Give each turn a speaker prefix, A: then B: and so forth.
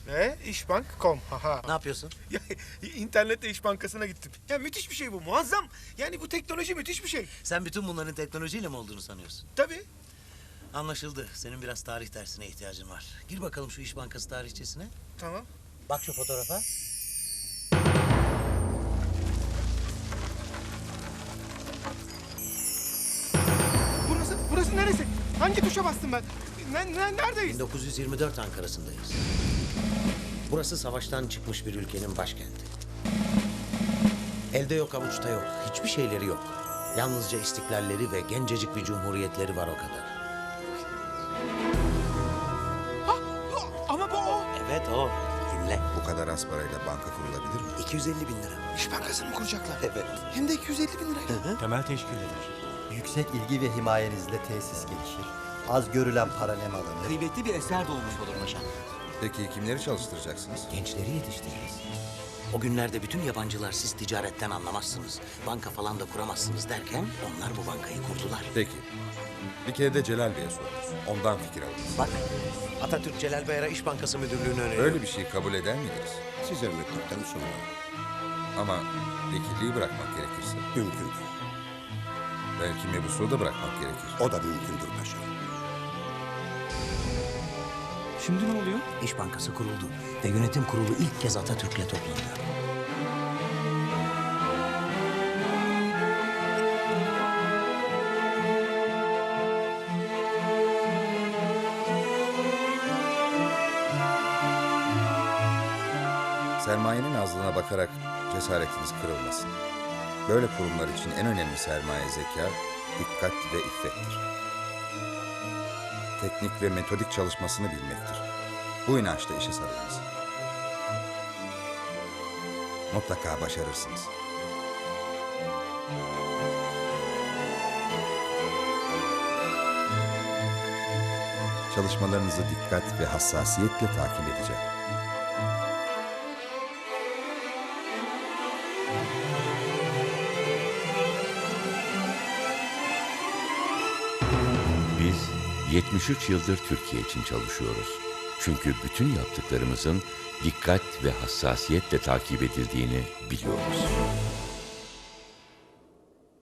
A: İşbank.com. Haha.
B: Ne yapıyorsun?
A: Ya, internette İş Bankası'na gittim. Ya müthiş bir şey bu, muazzam. Yani bu teknoloji müthiş bir şey.
B: Sen bütün bunların teknolojiyle mi olduğunu sanıyorsun?
A: Tabii.
B: Anlaşıldı. Senin biraz tarih dersine ihtiyacın var. Gir bakalım şu İş Bankası tarihçesine.
A: Tamam.
B: Bak şu fotoğrafa.
A: Burası neresi? Hangi tuşa bastım ben? Neredeyiz?
B: 1924 Ankara'sındayız. Burası savaştan çıkmış bir ülkenin başkenti. Elde yok, avuçta yok. Hiçbir şeyleri yok. Yalnızca istiklalleri ve gencecik bir cumhuriyetleri var, o kadar.
A: Ama bu o.
B: Evet, o. Dinle.
C: Bu kadar az parayla banka kurulabilir mi?
B: 250 bin lira.
A: İş Bankası'nı mı kuracaklar?
B: Evet.
A: Hem de 250 bin lirayla.
D: Temel teşkil eder. Yüksek ilgi ve himayenizle tesis gelişir. Az görülen para nem alınır.
E: Kıymetli bir eser doğmuş olur paşam.
C: Peki kimleri çalıştıracaksınız?
B: Gençleri yetiştiririz. O günlerde bütün yabancılar siz ticaretten anlamazsınız, banka falan da kuramazsınız derken onlar bu bankayı kurdular.
C: Peki. Bir kere de Celal Bey'e sorarız. Ondan fikir alırız.
B: Bak, Atatürk Celal Bayar'a İş Bankası müdürlüğünü öneriyor.
C: Öyle bir şeyi kabul eder miydiniz?
F: Size mektuptan sonra
C: Ama vekilliği bırakmak gerekirse.
F: mümkündür.
C: Belki mebusluğu da bırakmak gerekir.
F: O da mümkündür paşam.
E: Şimdi ne oluyor?
B: İş Bankası kuruldu ve yönetim kurulu ilk kez Atatürk'le toplanıyor.
C: Sermayenin azlığına bakarak cesaretiniz kırılmasın. Böyle kurumlar için en önemli sermaye zeka, dikkat ve iffettir. Teknik ve metodik çalışmasını bilmektir. Bu inançla işe sarılınız. Mutlaka başarırsınız. Çalışmalarınızı dikkat ve hassasiyetle takip edeceğim.
G: Biz 73 yıldır Türkiye için çalışıyoruz. Çünkü bütün yaptıklarımızın dikkat ve hassasiyetle takip edildiğini biliyoruz.